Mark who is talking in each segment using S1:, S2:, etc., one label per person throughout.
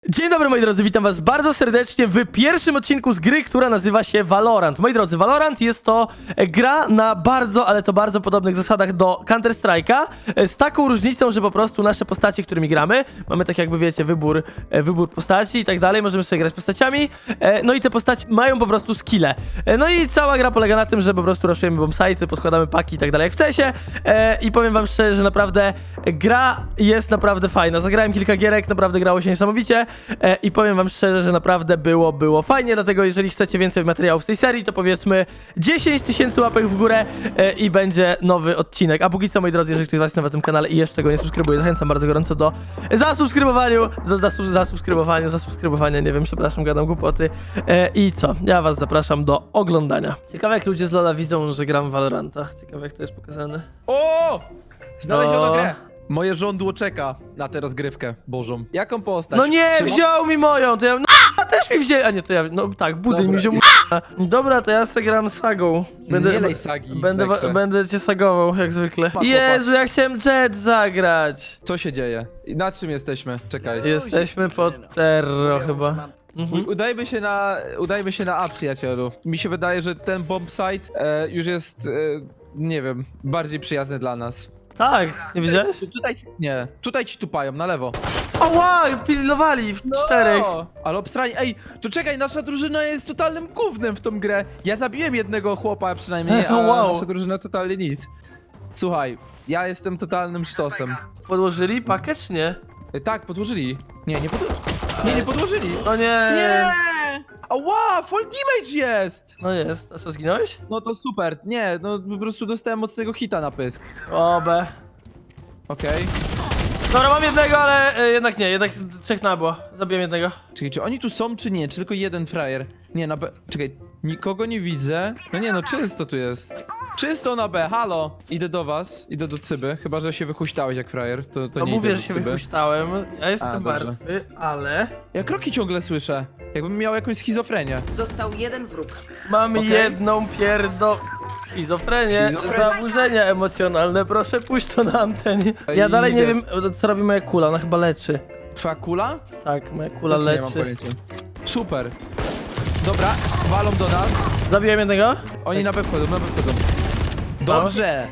S1: Dzień dobry moi drodzy, witam was bardzo serdecznie w pierwszym odcinku z gry, która nazywa się Valorant. Moi drodzy, Valorant jest to gra na bardzo, ale to bardzo podobnych zasadach do Counter Strike'a, z taką różnicą, że po prostu nasze postacie, którymi gramy, mamy tak jakby wiecie, wybór postaci i tak dalej, możemy sobie grać postaciami, no i te postaci mają po prostu skille. No i cała gra polega na tym, że po prostu raszujemy bombsite'y, podkładamy paki i tak dalej jak w CESie i powiem wam szczerze, że naprawdę gra jest naprawdę fajna. Zagrałem kilka gierek, naprawdę grało się niesamowicie. I powiem wam szczerze, że naprawdę było fajnie, dlatego jeżeli chcecie więcej materiałów z tej serii, to powiedzmy 10 000 łapek w górę i będzie nowy odcinek. A póki co, moi drodzy, jeżeli ktoś z was jest na tym kanale i jeszcze go nie subskrybuje, zachęcam bardzo gorąco do zasubskrybowania, nie wiem, przepraszam, gadam głupoty. I co? Ja was zapraszam do oglądania. Ciekawe jak ludzie z LoL'a widzą, że gram w Valoranta. Ciekawe jak to jest pokazane.
S2: O! Znaleziono
S1: No.
S2: grę. Moje żądło czeka na tę rozgrywkę bożą. Jaką postać?
S1: No nie,
S2: Czy mo-
S1: wziął mi moją, to ja... No, a też mi wzięli, a nie, to ja... No tak, budyń mi wziął. Dobra, to ja se gram sagą.
S2: Nie lej sagi, Nexe.
S1: Będę cię sagował, jak zwykle. Jezu, ja chciałem Jet zagrać.
S2: Co się dzieje? I na czym jesteśmy? Czekaj.
S1: Jesteśmy pod Terro chyba. Mhm.
S2: Udajmy się na A, przyjacielu. Mi się wydaje, że ten bombsite już jest, nie wiem, bardziej przyjazny dla nas.
S1: Tak, nie widziałeś?
S2: Tutaj ci tupają, na lewo.
S1: Ała, pilnowali w czterech.
S2: Ale obstrani. Ej, to czekaj, nasza drużyna jest totalnym gównem w tą grę. Ja zabiłem jednego chłopa przynajmniej, a
S1: Wow.
S2: nasza drużyna totalnie nic. Słuchaj, ja jestem totalnym sztosem.
S1: Podłożyli pakę czy nie?
S2: Tak, podłożyli. Nie podłożyli.
S1: No nie.
S2: Nie! Ała, full damage jest!
S1: No jest, a co, zginąłeś?
S2: No to super. Nie, no po prostu dostałem mocnego hita na pysk.
S1: O, B.
S2: Okej.
S1: Dobra, mam jednego, ale jednak nie, jednak trzech nabło. Zabiłem jednego.
S2: Czekaj, czy oni tu są, czy nie? Czy tylko jeden frajer? Nie, na B. Czekaj, nikogo nie widzę. No nie, no czysto tu jest. Czysto na B, halo! Idę do was, idę do Cyby. Chyba, że się wychuśtałeś jak frajer. To
S1: No
S2: nie
S1: mówię,
S2: idę
S1: że
S2: do
S1: się
S2: Cyby.
S1: wypuściłem. Ja jestem
S2: dobrze.
S1: martwy, ale...
S2: Ja kroki ciągle słyszę. Jakbym miał jakąś schizofrenię.
S3: Został jeden wróg.
S1: Mamy
S2: Okej.
S1: jedną schizofrenię, zaburzenia emocjonalne, proszę pójść to na antenie. Ja
S2: I
S1: dalej nie
S2: idę.
S1: wiem, co robi moja kula, ona chyba leczy.
S2: Twoja kula?
S1: Tak, moja kula
S2: Też nie mam
S1: leczy.
S2: pojęcia. Super. Dobra, walą do nas.
S1: Zabiłem jednego?
S2: Oni na B wchodzą, na B wchodzą. Dobrze.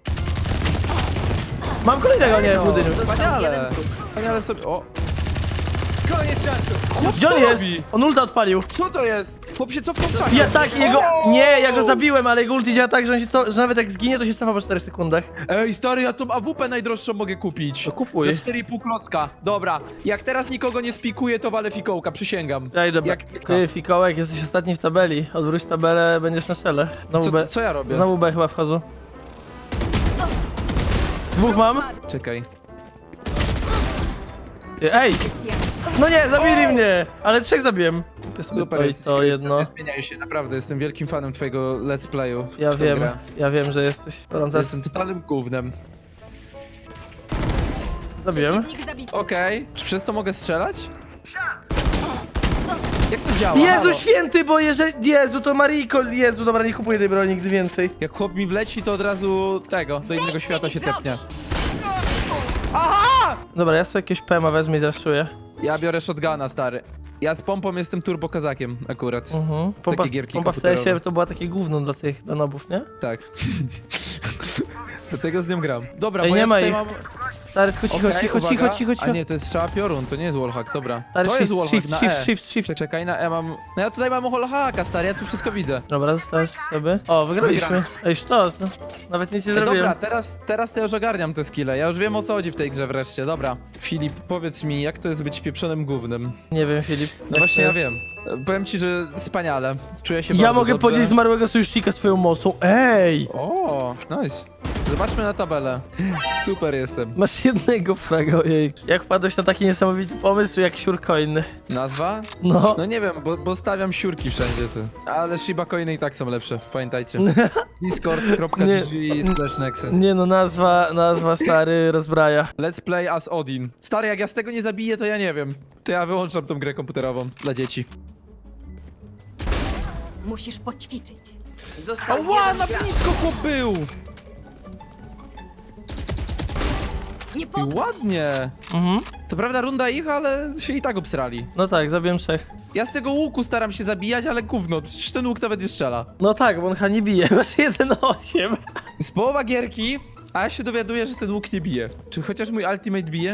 S1: Mam kolejnego, nie, w budyniu.
S2: Wspaniale.
S3: jeden wróg.
S2: Wspaniale sobie... O. Koniec żartu.
S1: Gdzie on jest? On ulta odpalił.
S2: Co to jest? Chłop się cofnął w czasie.
S1: Ja tak, jego... Nie, ja go zabiłem, ale jego ulti działa tak, że, że nawet jak zginie, to się cofa po 4 sekundach.
S2: Ej, stary, ja tą AWP najdroższą mogę kupić.
S1: To kupuj.
S2: Za 4,5 klocka. Dobra, jak teraz nikogo nie spikuję, to walę fikołka, przysięgam.
S1: Ej, dobra.
S2: Jak pietka.
S1: Ty, Fikołek, jesteś ostatni w tabeli. Odwróć tabelę, będziesz na czele. Znowu B.
S2: Co ja robię?
S1: Znowu B chyba wchodzą. Dwóch mam.
S2: Czekaj.
S1: Ty, ej! No nie, zabili mnie! Ale trzech zabiłem. Kupię sobie
S2: Super,
S1: to i
S2: jesteś,
S1: to jedno.
S2: Nie zmieniaj się, naprawdę, jestem wielkim fanem twojego let's playu. w
S1: Ja
S2: tą
S1: wiem,
S2: grę.
S1: ja wiem, że jesteś. Teraz
S2: Jestem totalnym gównem.
S1: zabiłem.
S2: Okej, czy przez to mogę strzelać? Jak to działa?
S1: Jezu
S2: Halo?
S1: święty, bo jeżeli... Jezu, to Mariko... Jezu, dobra, nie kupuję tej broni nigdy więcej.
S2: Jak chłop mi wleci, to od razu do innego świata się tepnie.
S1: Dobra, ja sobie jakieś PMA wezmę i zaszuję.
S2: Ja biorę shotguna, stary. Ja z pompą jestem turbo kazakiem akurat.
S1: Pompa,
S2: gierki
S1: pompa w
S2: komputerowe.
S1: CS-ie to była takie gówno dla tych danobów, nie?
S2: Tak. Dlatego z nią gram. Dobra,
S1: Ej,
S2: bo
S1: nie
S2: ja
S1: ma
S2: tutaj
S1: ich.
S2: mam...
S1: Stary, tylko cicho,
S2: Okej,
S1: cicho,
S2: uwaga.
S1: cicho.
S2: A nie, to jest strzała piorun, to nie jest wallhack, dobra.
S1: Stary,
S2: To jest
S1: shift,
S2: wallhack
S1: shift,
S2: na
S1: shift,
S2: E.
S1: shift, shift.
S2: Czekaj, na E mam... No ja tutaj mam wallhacka, stary, ja tu wszystko widzę.
S1: Dobra, zostałeś sobie. O, wygraliśmy.
S2: Wygrałem.
S1: Ej, sztos, no. Nawet nic nie
S2: Ej,
S1: zrobiłem.
S2: dobra, teraz to ja już ogarniam te skille. Ja już wiem, o co chodzi w tej grze wreszcie, dobra. Filip, powiedz mi, jak to jest być pieprzonym gównem?
S1: Nie wiem, Filip.
S2: No właśnie, ja wiem. Powiem ci, że wspaniale. Czuję się
S1: Ja
S2: bardzo
S1: mogę
S2: dobrze.
S1: podnieść zmarłego sojusznika swoją mocą. Ej!
S2: O, nice. Zobaczmy na tabelę. Super jestem.
S1: Masz jednego fraga, ojej. Jak wpadłeś na taki niesamowity pomysł jak siurcoin?
S2: Nazwa?
S1: No.
S2: No nie wiem, bo stawiam siurki wszędzie tu. Ale Shiba Coiny i tak są lepsze, pamiętajcie. Discord.gg/nexe.
S1: Nie no, nazwa stary rozbraja.
S2: Let's play as Odin. Stary, jak ja z tego nie zabiję, to ja nie wiem. To ja wyłączam tą grę komputerową dla dzieci.
S4: Musisz poćwiczyć.
S3: Został
S2: Ała,
S3: jeden
S2: na
S3: gracz.
S2: blisko chłop był!
S3: Nie
S2: I
S3: podchodź.
S2: ładnie.
S1: Mhm.
S2: Co prawda runda ich, ale się i tak obsrali.
S1: No tak, zabiłem 3.
S2: Ja z tego łuku staram się zabijać, ale gówno, przecież ten łuk nawet nie strzela.
S1: No tak, bo on chyba nie bije, masz 1-8.
S2: Z połowa gierki, a ja się dowiaduję, że ten łuk nie bije. Czy chociaż mój ultimate bije?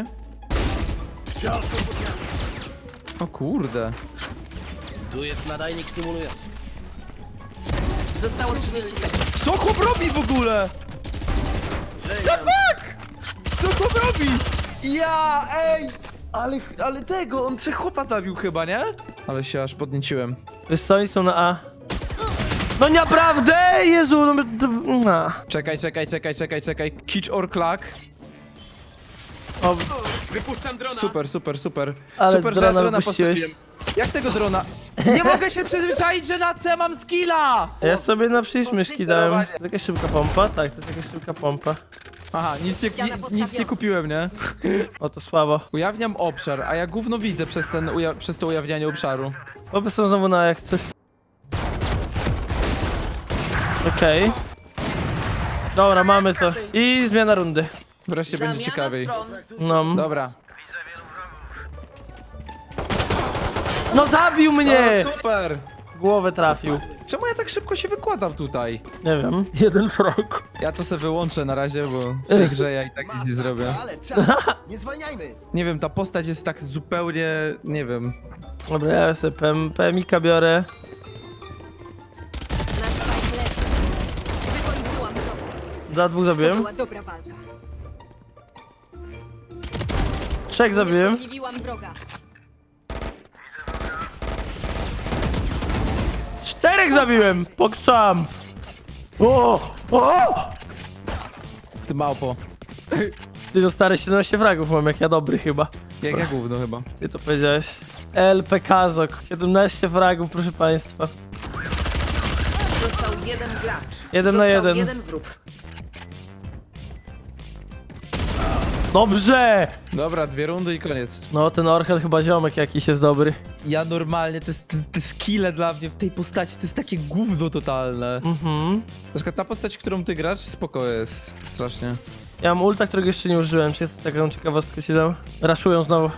S2: O kurde.
S4: Tu jest nadajnik stymulujący.
S3: Zostało 30 sekund.
S2: Co chłop robi w ogóle? The fuck? Co chłop robi? Ja, ej! Ale tego, on 3 chłopa zabił chyba, nie? Ale się aż podnieciłem.
S1: Wiesz co, oni są na A. No naprawdę! Jezu, no...
S2: Czekaj. Kitch or clack.
S1: O,
S4: Wypuszczam drona.
S2: Super.
S1: Ale
S2: Super, że
S1: drona
S2: ja drona
S1: wypuściłeś.
S2: postawiłem. Jak tego drona? Nie mogę się przyzwyczaić, że na C mam skilla!
S1: ja sobie na przycisk myszki dałem. To
S2: sterowanie.
S1: jest jakaś szybka pompa? Tak, to jest jakaś szybka pompa.
S2: Aha, nic
S3: Ściana
S2: nie
S3: postawiona.
S2: kupiłem, nie?
S1: O, to słabo.
S2: Ujawniam obszar, a ja gówno widzę przez to ujawnianie obszaru.
S1: Chłopy są znowu na jak coś. Okej. Dobra, mamy to. I zmiana rundy.
S2: Wreszcie będzie ciekawiej.
S1: No.
S2: Dobra.
S1: No zabił mnie!
S2: O, super!
S1: W głowę trafił.
S2: Czemu ja tak szybko się wykładam tutaj?
S1: Nie wiem. Jeden frog.
S2: Ja to sobie wyłączę na razie, bo w tej grze ja i tak nic nie zrobię.
S4: Ale czas. Nie zwalniajmy.
S2: Nie wiem, ta postać jest tak zupełnie... nie wiem.
S1: Dobra, ja sobie PMika biorę.
S3: Nasz fight leży. Wykończyłam wroga.
S1: Za 2
S3: To
S1: zabiłem.
S3: była dobra walka.
S1: 3 zabiłem.
S3: Unieszkodliwiłam wroga.
S1: 4 zabiłem! Pokczam! O!
S2: Ty małpo.
S1: Ty no stary, 17 fragów mam, jak ja dobry chyba.
S2: Jak ja gówno chyba.
S1: Ty to powiedziałeś. LP Kazok, 17 fragów, proszę państwa.
S5: Został jeden gracz.
S1: 1 na
S5: Został
S1: 1.
S5: jeden wróg.
S1: Dobrze!
S2: Dobra, 2 rundy i koniec.
S1: No, ten Orchel chyba ziomek jakiś jest dobry.
S2: Ja normalnie, te skille dla mnie w tej postaci to jest takie gówno totalne.
S1: Mhm.
S2: Na przykład ta postać, którą ty grasz, spoko jest. Strasznie.
S1: Ja mam ulta, którego jeszcze nie użyłem. Czy jest taką ciekawostkę ci dam? Raszują znowu.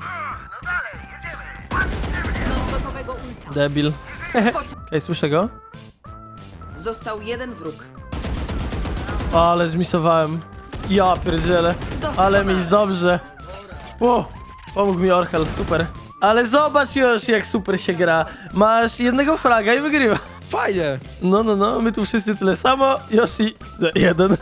S3: Mam gotowego ulta.
S1: Debil. Okej, słyszę go.
S5: Został jeden wróg.
S1: O, ale zmisowałem. Ja pierdzielę. Ale mi jest dobrze. Wow, pomógł mi Orchel, super. Ale zobacz już, jak super się gra. Masz jednego fraga i wygrywa.
S2: Fajnie!
S1: No, my tu wszyscy tyle samo. Yoshi 1.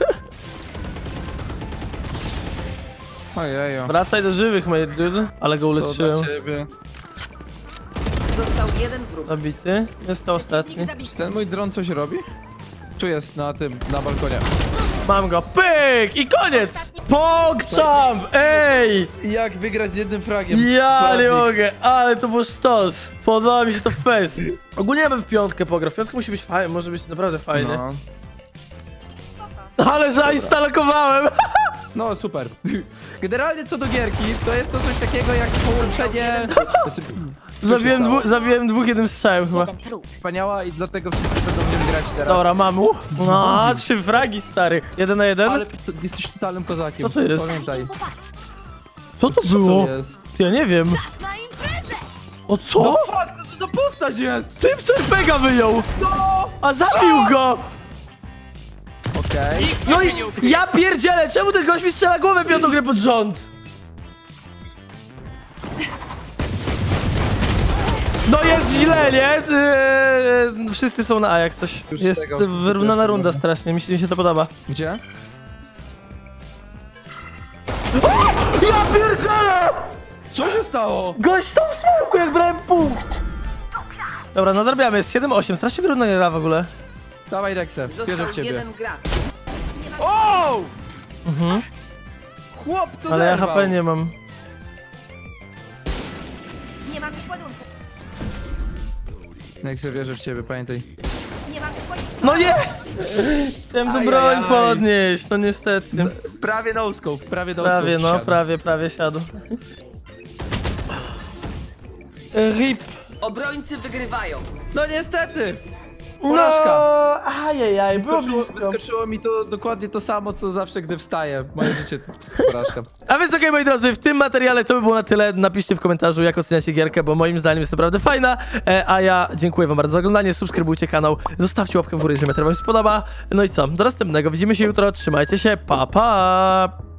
S2: Ojejo.
S1: Wracaj do żywych, my dude. Ale go
S2: To
S1: uleczyłem.
S2: dla ciebie.
S5: Został jeden wróg.
S1: Zabity. Jest to ostatni.
S3: Przeciwnik zabity.
S2: Ten mój dron coś robi? Tu jest, na balkonie.
S1: Mam go. Pyk! I koniec! Pogczam! Ej!
S2: Jak wygrać z jednym fragiem?
S1: Ja nie
S2: Poradnik.
S1: mogę, ale to był sztos. Podoba mi się to fest. Ogólnie ja bym w piątkę pograł. W piątkę musi być fajnie, może być naprawdę fajnie.
S2: No.
S1: Ale zainstalowałem!
S2: No super. Generalnie co do gierki, to jest to coś takiego jak połączenie... Znaczy, co się stało?
S1: Zabiłem 2 jednym strzałem chyba.
S3: Jeden trup.
S2: Wspaniała i dlatego wszyscy będą w nią grać teraz.
S1: Dobra, mam mu. No, 3 fragi, stary. 1 na 1.
S2: Ale jesteś totalnym kozakiem.
S1: Co to jest?
S2: Pamiętaj.
S1: Co to
S2: Co
S1: było?
S2: to jest?
S1: Ja nie wiem.
S3: Czas na imprezę!
S1: O co?
S2: No fuck, co to za postać jest?
S1: Typ CRPGa wyjął!
S2: No!
S1: A zabił go!
S2: Okej.
S1: No i ja pierdzielę, czemu ten gość mi strzela głowę piątą grę pod rząd? No jest źle, nie? Wszyscy są na A jak coś.
S2: Już
S1: Jest
S2: tego
S1: wyrównana
S2: też
S1: runda
S2: nie
S1: strasznie, mi się to podoba.
S2: Gdzie?
S1: Ja pierdzielę!
S2: Co się stało?
S1: Gość to w smoku, jak brałem punkt! Dobra, nadrabiamy, jest 7-8, strasznie wyrównana gra w ogóle.
S2: Dawaj Rexę, wierzę
S5: Został
S2: w ciebie.
S5: jeden gracz.
S2: O!
S1: Mhm.
S2: Chłop, co
S1: Ale ja
S2: zerwał?
S1: HP nie mam.
S3: Nie mam już ładunku.
S2: Rexę, wierzę w ciebie, pamiętaj.
S3: Nie mam już ładunku.
S1: No nie! Chciałem tu broń
S2: Ajajaj.
S1: podnieść, no niestety.
S2: Prawie no scope, prawie no
S1: Prawie,
S2: scope
S1: no,
S2: wsiadł.
S1: prawie siadł. RIP.
S5: Obrońcy wygrywają.
S2: No niestety! Porażka.
S1: Ajajaj, było blisko.
S2: Wyskoczyło mi to dokładnie to samo, co zawsze, gdy wstaję. Moje życie to porażka.
S1: A więc okej, moi drodzy, w tym materiale to by było na tyle. Napiszcie w komentarzu, jak oceniacie gierkę, bo moim zdaniem jest naprawdę fajna. A ja dziękuję wam bardzo za oglądanie, subskrybujcie kanał, zostawcie łapkę w górę, jeżeli materiał wam się spodoba. No i co, do następnego, widzimy się jutro, trzymajcie się, pa pa!